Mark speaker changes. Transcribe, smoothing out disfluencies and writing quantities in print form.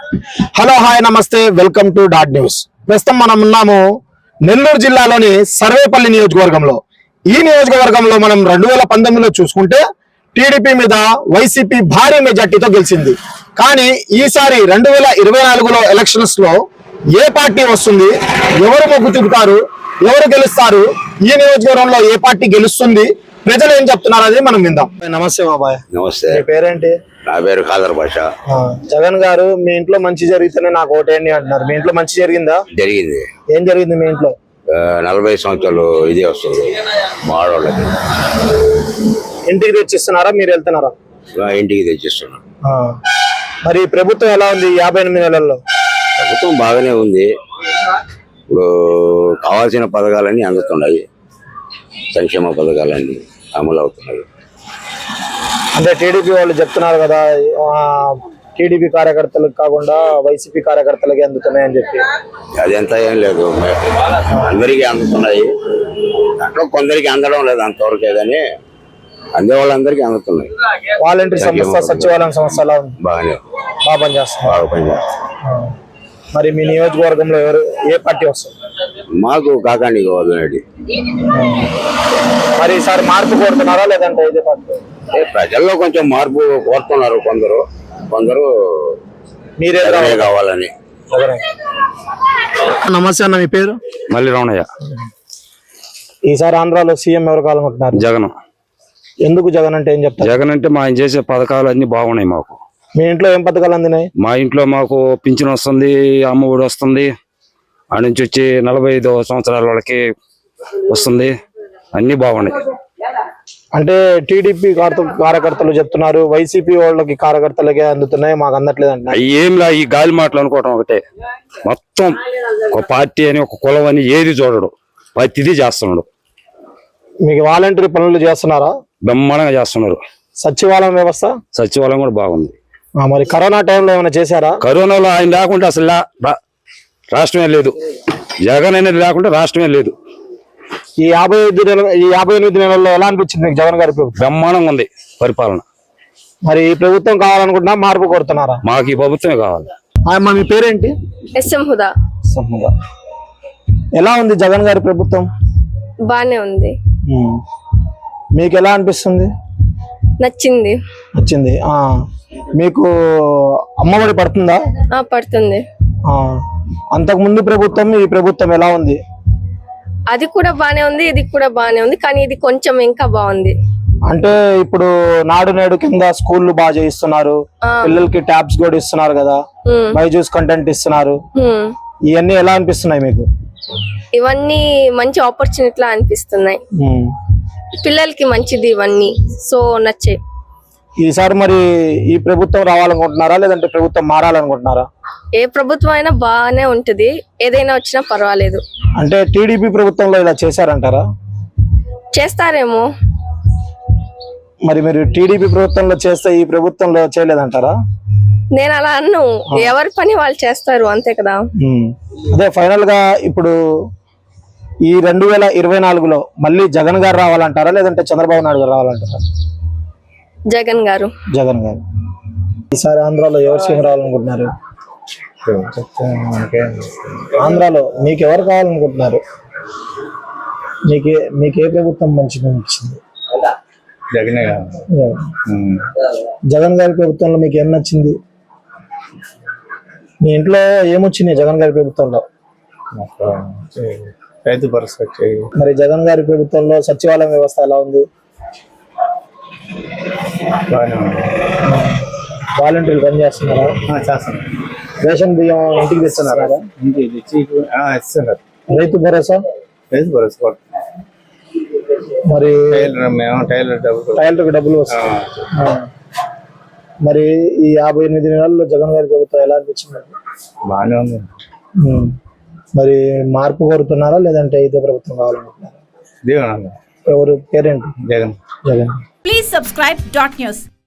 Speaker 1: Hello hi నమస్తే welcome to dot news. ప్రస్తుతం మనం ఉన్నాము నెల్లూరు జిల్లాలోని సర్వేపల్లి నియోజకవర్గంలో. ఈ నియోజకవర్గంలో మనం 2019లో చూసుకుంటే టీడీపీ మీద వైసీపీ భారీ మెజార్టీతో గెలిచింది. కానీ ఈసారి 2024లో ఎలక్షన్స్ లో ఏ పార్టీ వస్తుంది, ఎవరు మొగ్గు చూపుతారు, ఎవరు గెలుస్తారు, ఈ నియోజకవర్గంలో ఏ పార్టీ గెలుస్తుంది, ప్రజలు ఏం చెప్తున్నారు అనేది మనం విందాం. నమస్తే బాబాయ్.
Speaker 2: నమస్తే.
Speaker 1: మీ పేరేంటి?
Speaker 2: నా పేరు ఖాదర్ భాష.
Speaker 1: జగన్ గారు మీ ఇంట్లో మంచి జరిగితేనే నాకు ఓటేయండి అంటున్నారు. మీ ఇంట్లో మంచి జరిగిందా?
Speaker 2: జరిగింది.
Speaker 1: ఏం జరిగింది మీ ఇంట్లో?
Speaker 2: 40 సంవత్సరాలు ఇదే వస్తుంది మా ఆడవాళ్ళకి.
Speaker 1: ఇంటికి తెచ్చిస్తున్నారా, మీరు వెళ్తున్నారా?
Speaker 2: ఇంటికి తెచ్చిస్తున్నాం.
Speaker 1: మరి ప్రభుత్వం ఎలా ఉంది 58 నెలల్లో?
Speaker 2: ప్రభుత్వం బాగానే ఉంది. ఇప్పుడు కావాల్సిన పథకాలన్నీ అందుతున్నాయి, సంక్షేమ పథకాలన్నీ అమలు అవుతున్నాయి.
Speaker 1: అంటే టీడీపీ వాళ్ళు చెప్తున్నారు కదా, టీడీపీ కార్యకర్తలకు కాకుండా వైసీపీ కార్యకర్తలకి అందుతున్నాయని చెప్పి.
Speaker 2: అదంతా ఏం లేదు, అందరికీ అందుతున్నాయి. అట్లా కొందరికి అందడం లేదు అంతవరకే, కానీ అందే వాళ్ళందరికీ అందుతున్నాయి.
Speaker 1: వాలంటీర్ సంస్థ, సచివాలయం సంస్థ ఎలా ఉంది?
Speaker 2: బాగా
Speaker 1: పనిచేస్తున్నారు.
Speaker 2: బాగా పనిచేస్తారు.
Speaker 1: మరి మీ నియోజకవర్గంలో ఏ పార్టీ వస్తుంది?
Speaker 2: మాకు కాకాండి గోవర్ధన్.
Speaker 1: మరి ఈసారి మార్పు కోరుతున్నారా లేదంటే ఇదే పార్టీ?
Speaker 2: ప్రజల్లో కొంచెం మార్పు కోరుతున్నారు కొందరు
Speaker 1: మీరే
Speaker 2: కావాలని.
Speaker 1: నమస్తే అన్న, మీ పేరు?
Speaker 3: మళ్ళీ రమణయ్య.
Speaker 1: ఈసారి ఆంధ్రాలో సీఎం ఎవరు కావాలనుకుంటున్నారు?
Speaker 3: జగన్.
Speaker 1: ఎందుకు జగన్ అంటే ఏం చెప్తారు?
Speaker 3: జగన్ అంటే మా ఆయన చేసే పథకాలు అన్ని బాగున్నాయి మాకు.
Speaker 1: మీ ఇంట్లో ఏం పథకాలు అందినాయి?
Speaker 3: మా ఇంట్లో మాకు పింఛన్ వస్తుంది, అమ్మ ఒడి వస్తుంది, ఆ నుంచి వచ్చి 45 సంవత్సరాల వాళ్ళకి వస్తుంది, అన్ని బాగున్నాయి.
Speaker 1: అంటే టీడీపీ కార్యకర్తలు చెప్తున్నారు వైసీపీ వాళ్ళకి కార్యకర్తలకే అందుతున్నాయి, మాకు అందట్లేదు అంటే.
Speaker 3: ఏంలా ఈ గాలి మాటలు అనుకోవటం ఒకటే. మొత్తం ఒక పార్టీ అని, ఒక కులం అని ఏది చూడడు, ప్రతిదీ చేస్తున్నాడు.
Speaker 1: మీకు వాలంటీర్ పనులు చేస్తున్నారా?
Speaker 3: బ్రహ్మాండంగా చేస్తున్నారు.
Speaker 1: సచివాలయం వ్యవస్థ?
Speaker 3: సచివాలయం కూడా బాగుంది.
Speaker 1: మరి కరోనా టైంలో ఏమైనా చేశారా?
Speaker 3: కరోనాలో ఆయన లేకుండా అసలు రాష్ట్రమే లేదు. జగన్ అనేది లేకుండా రాష్ట్రమే లేదు.
Speaker 1: ఈ 58 నెలల్లో ఎలా అనిపించింది మీకు జగన్ గారి ప్రభుత్వం?
Speaker 3: బ్రహ్మాండంగా ఉంది పరిపాలన.
Speaker 1: మరి ఈ ప్రభుత్వం కావాలనుకుంటున్నా, మార్పు కోరుతున్నారా?
Speaker 3: మాకు ఈ ప్రభుత్వమే కావాలి.
Speaker 1: మీ పేరేంటి?
Speaker 4: ఎస్ఎం హుదా.
Speaker 1: ఎలా ఉంది జగన్ గారి ప్రభుత్వం?
Speaker 4: బానే ఉంది.
Speaker 1: మీకు ఎలా అనిపిస్తుంది?
Speaker 4: నచ్చింది.
Speaker 1: మీకు అమ్మఒడి పడుతుందా?
Speaker 4: పడుతుంది.
Speaker 1: అంతకు ముందు ప్రభుత్వం, ఈ ప్రభుత్వం ఎలా ఉంది?
Speaker 4: అది కూడా బానే ఉంది, ఇది కూడా బానే ఉంది, కానీ ఇది కొంచెం ఇంకా బాగుంది.
Speaker 1: అంటే ఇప్పుడు నాడు నేడు కింద స్కూళ్ళు బాగా చేయిస్తున్నారు, పిల్లలకి ట్యాబ్స్ కూడా ఇస్తున్నారు కదా, బైజూస్ కంటెంట్ ఇస్తున్నారు. ఇవన్నీ ఎలా అనిపిస్తున్నాయి మీకు?
Speaker 4: ఇవన్నీ మంచి ఆపర్చునిటీ అనిపిస్తున్నాయి, పిల్లలకి మంచిది ఇవన్నీ. సో నచ్చాయి.
Speaker 1: ఈసారి మరి ఈ ప్రభుత్వం రావాలనుకుంటున్నారా లేదంటే ప్రభుత్వం మారాలనుకుంటున్నారా?
Speaker 4: ఏ ప్రభుత్వం అయినా బాగానే ఉంటది, ఏదైనా వచ్చినా పర్వాలేదు.
Speaker 1: అంటే టీడీపీ ప్రభుత్వంలో ఇలా చేశారంటారా?
Speaker 4: చేస్తారేమో.
Speaker 1: మరి మీరు టీడీపీ ప్రభుత్వంలో చేస్తే ఈ ప్రభుత్వంలో చేయలేదంటారా?
Speaker 4: నేను అలా అన్ను, ఎవరి పని వాళ్ళు చేస్తారు అంతే కదా.
Speaker 1: అదే ఫైనల్ గా ఇప్పుడు ఈ 2024లో మళ్ళీ జగన్ గారు రావాలంటారా లేదంటే చంద్రబాబు నాయుడు గారు రావాలంటారా?
Speaker 4: జగన్ గారు.
Speaker 1: ఈసారి ఆంధ్రాలో ఎవరు సీఎం రావాలనుకుంటున్నారు? ఆంధ్రాలో మీకు ఎవరు కావాలనుకుంటున్నారు? మీకే ప్రభుత్వం మంచిగా అనిపించింది? జగన్ గారి ప్రభుత్వంలో మీకు ఏం నచ్చింది? మీ ఇంట్లో ఏమొచ్చింది జగన్ గారి ప్రభుత్వంలో?
Speaker 5: రైతు భరోసా.
Speaker 1: మరి జగన్ గారి ప్రభుత్వంలో సచివాలయం వ్యవస్థ ఎలా ఉంది? వాలంటీర్లు పని చేస్తున్నారా?
Speaker 5: చేస్తున్నారు.
Speaker 1: రేషన్ బియ్యం ఇంటికి తెస్తున్నారా?
Speaker 5: ఇస్తున్నారు.
Speaker 1: రైతు భరోసా?
Speaker 5: రైతు భరోసా.
Speaker 1: మరి
Speaker 5: టైలర్
Speaker 1: డబ్బులు వస్తాయి. మరి ఈ 58 నెలల్లో జగన్ గారి ప్రభుత్వం ఎలా అనిపించింది?
Speaker 5: బాగానే ఉంది.
Speaker 1: మరి మార్పు కోరుతున్నారా లేదంటే ఇదే ప్రభుత్వం కావాలనుకుంటున్నారా?
Speaker 5: దేవన్.
Speaker 1: ఎవరు పేరేంటి?
Speaker 5: జగన్.
Speaker 6: Please subscribe .news.